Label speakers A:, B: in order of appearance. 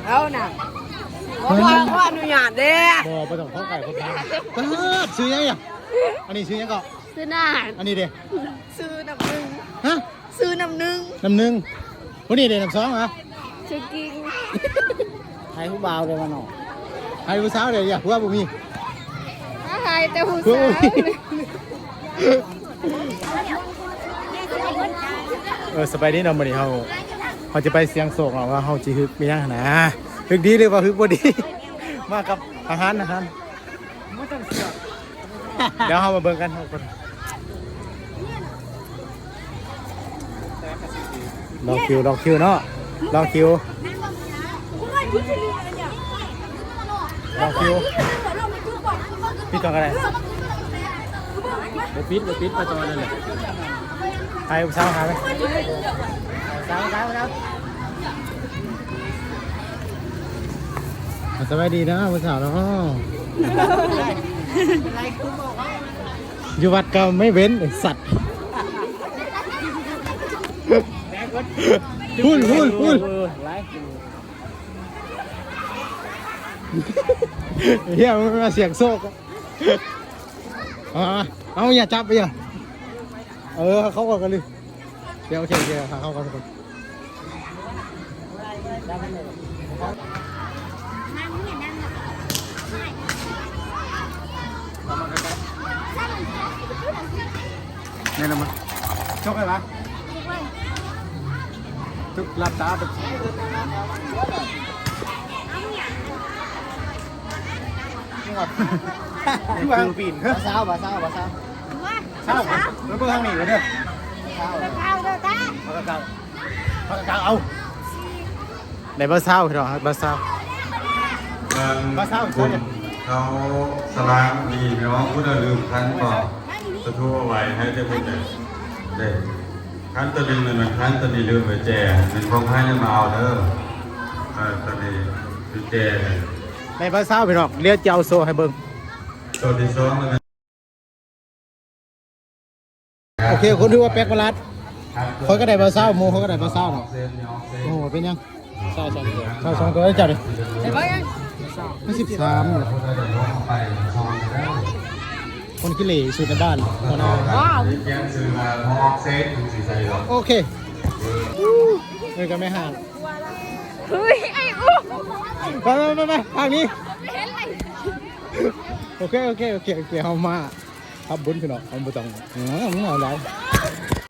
A: เอาน่ะขออนุญาตเด้
B: บ่ไปต้องเข้าไก่คนดังซื้อยังอ่ะอันนี้ซื้อยังก็
A: ซื้อหน้า
B: อันนี้เด้
A: ซื้อน้ำหนึ่ง
B: ฮะ
A: ซื้อน้ำหนึ่ง
B: คนนี้เด้น้ำสองเหรอ
A: ซื้อกิ้ง
B: ให้ผู้บ่าวเลยมาหน่อให้ผู้สาวเลยอย่าผู้ว่าบ่มี
A: ให้แต่ผู้สาว
B: สบายดีเนาะมื้อนี้เขาจะไปเสียงโศกว่าเฮาสิฮึกมีหยังนะฮึกดีหรือว่าฮึกบ่ดีมากับอาหารเดี๋ยวเฮามาเบิ่งกันเฮาก่อนลองคิวเนาะลองคิวปิดก่อนก็ได้ปิดไปตอนนั้นแหละใครเช้าหาไหมเช้าสบายดีนะผู้สาวเนาะอยู่วัดก็ไม่เว้นสัตว์พูดเฮียมันมาเสียงโซกเอาอย่าจับไปอ่ะเขาก่อนกันเลยเดี๋ยวโอเคเขาก่อนคนนี่นะมั้งชกไหมวะทุกลับตาไปที่วางปีนเช้าแล้วก็ทางนี้เลยเนี่ยเอาในบ้านเช้าเหรอบ้านเช้า
C: เขาสลากดีเนาะพุทธลืมคันก็จะทั่วไว้ให้ได้พูดได้คันตะลิงมันคันตะลีลืมไปแจเป็นของให้มาเอาเด้อตะลีคือแจ
B: ในบ้านเช้าไปหรอกเรียกเจ้าโซให้เบิ้ง
C: ตัวที่สองมัน
B: โอเคคนที่ว่าแป๊กมาลัดคนก็ได้บ้านเช้าโมเขาก็ได้บ้านเช้าเนาะโอ้เป็นยังเช้าสองตัวได้จัดเลย13คนขี้เหร่สุดในบ้าน
A: ว้าว
B: โอเคเลยกันไม่ห่าง
A: เฮ้ยไอ้อุ๊
B: ไปทางนี้โอเคเอามาทำบุญพี่น้องเอาบุตรมึงเอาอะไร